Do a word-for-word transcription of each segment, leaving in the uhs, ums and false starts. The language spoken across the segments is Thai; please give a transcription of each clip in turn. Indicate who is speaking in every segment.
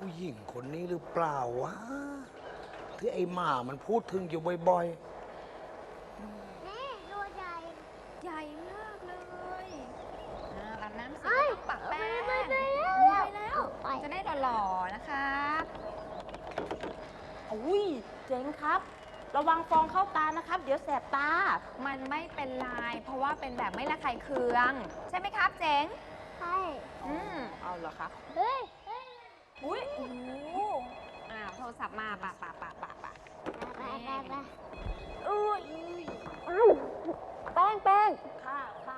Speaker 1: ผู้หญิงคนนี้หรือเปล่าวะที่ไอ้หมามันพูดถึงอยู่บ่อย
Speaker 2: แม่ตัวใหญ่
Speaker 3: ใหญ่มากเลยอ่าอาบน้ำเสร็จ
Speaker 2: เอ้ย
Speaker 3: ก็ต้องปักแป้ง
Speaker 2: ไปไป
Speaker 3: ไป
Speaker 2: แล้ว
Speaker 3: แล้ว จะได้หล่อๆนะคะ
Speaker 4: อุ้ยเจ๋งครับ ระวังฟองเข้าตานะครับ เดี๋ยวแสบตา
Speaker 3: มันไม่เป็นไรเพราะว่าเป็นแบบไม่ระคายเคือง ใช่ไหมครับเจ๋ง
Speaker 2: ใช่
Speaker 3: อืม
Speaker 4: เอาเหรอครับ
Speaker 2: เฮ้ยเฮ้ย
Speaker 3: อุ้ยโอ้โหอ้าวโทรศัพท์มาปะปะปะปะปะ
Speaker 2: ไปไปไป
Speaker 4: อุ้ย
Speaker 2: แป้งแป้ง
Speaker 4: ค่ะค่ะ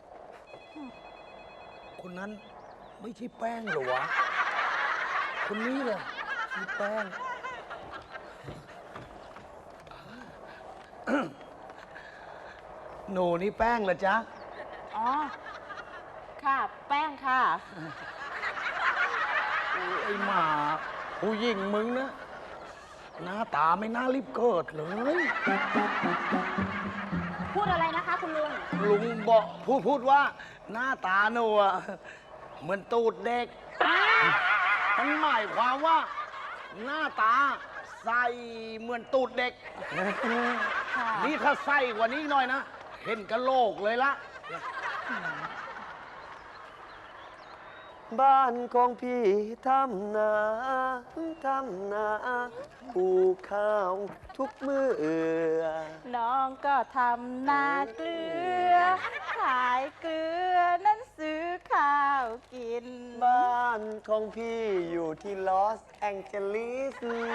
Speaker 1: ๆ คนนั้นไม่ใช่แป้งเหรอวะ คนนี้เหรอคือแป้ง หนูนี่แป้งเหรอจ๊ะ
Speaker 4: อ๋อ ค่ะ แป้งค่ะ
Speaker 1: โอ้ยไอ้หมาผู้หญิงมึงนะหน้าตาไม่น่ารีบเกิดเลย
Speaker 4: พูดอะไรนะคะคุณลุง
Speaker 1: ลุงบอกพูดพูดว่าหน้าตาหนูอะเหมือนตูดเด็กมันหมายความว่า หน้าตาใส่เหมือนตูดเด็ก
Speaker 4: ค่ะ
Speaker 1: นี่ถ้าใส่กว่านี้หน่อยนะ เห็นกะโหลกเลยละ
Speaker 5: บ้านของพี่ทำนาทำนาปลูกข้าวทุกมือ
Speaker 4: น้องก็ทำนาเกลือ ขายเกลือ นั้นซื้อข้าวกิน
Speaker 5: บ้านของพี่อยู่ที่ลอสแองเจลิส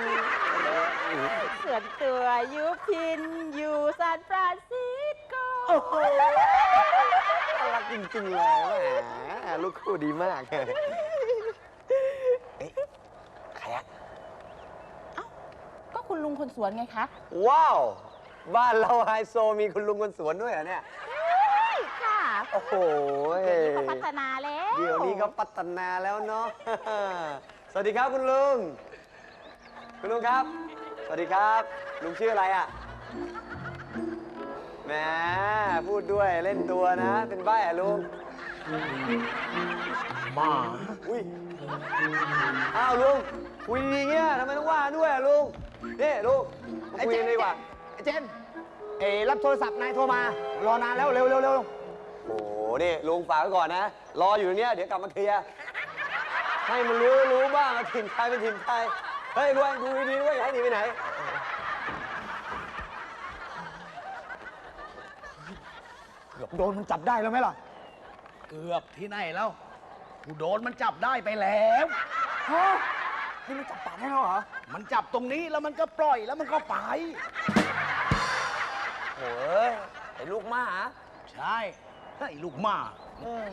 Speaker 4: ส่วนตัวอยู่พินอยู่ซานฟรานซิสโก
Speaker 5: โอ้โหน่ารักจริงๆเลยแหมลูกคู่ดีมากเอ๊ะใครอะ
Speaker 4: ก็คุณลุงคนสวนไงคะ
Speaker 5: ว้าว บ้านเราไฮโซมีคุณลุงคนสวนด้วยเหรอเนี่ย
Speaker 4: ค่ะ
Speaker 5: โอ้โห
Speaker 4: เดี๋ยวนี้ก็พัฒนาแล้ว
Speaker 5: เดี๋ยวนี้ก็พัฒนาแล้วเนาะ สวัสดีครับคุณลุง คุณลุงครับ สวัสดีครับ ลุงชื่ออะไรอ่ะ แหม พูดด้วยเล่นตัวนะ เป็นใบ้อะลุง
Speaker 1: หมา
Speaker 5: อุ้ย อ้าวลุง คุยดีๆเงี้ยทำไมต้องว่าด้วยอะลุง นี่ลุงมาคุยกันดีกว่า
Speaker 6: ไอ้เจนเอ๋รับโทรศัพท์นายโทรมา รอนานแล้วเร็วเร็วเร็ว
Speaker 5: โอ้โห นี่ลุงฝากไว้ก่อนนะ รออยู่ตรงเนี้ยเดี๋ยวกลับมาเคลียร์ ให้มันรู้รู้บ้างว่าถิ่นใครเป็นถิ่นใคร เฮ้ยรวยดูดีๆด้วยอย่าให้หนีไปไหน
Speaker 6: เกือบโดนมันจับได้แล้วไหมล่ะ
Speaker 1: เกือบที่ไหนแล้วกูโดนมันจับได้ไปแล้ว
Speaker 6: ฮะนี่มันจับปากได้แล้วเหรอ
Speaker 1: มันจับตรงนี้แล้วมันก็ปล่อยแล้วมันก็ไป
Speaker 5: โอ้ยไอ้ลูกหมา
Speaker 1: ใช่ไอ้ลูกหมา
Speaker 5: เออ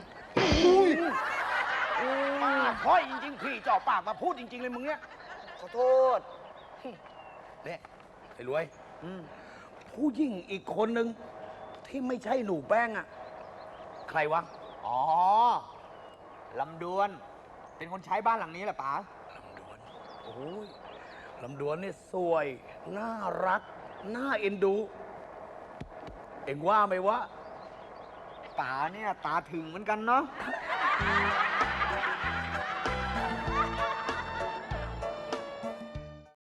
Speaker 1: ป้าพ้อยจริงๆพี่จ่อปากมาพูดจริง ๆ เลยมึงเนี่ย
Speaker 5: ขอโทษ
Speaker 1: เนี่ยไอ้รวยผู้หญิงอีกคนหนึ่งที่ไม่ใช่หนูแป้งอะใครวะ
Speaker 6: อ๋อ ลำดวน เป็นคนใช้บ้านหลังนี้แหละป๋า
Speaker 1: ลำดวนโอ้ยลำดวนเนี่ยสวย น่ารัก น่าเอ็นดู เอ็งว่าไหมวะ
Speaker 6: ป๋าเนี่ยตาถึงเหมือนกันเนาะ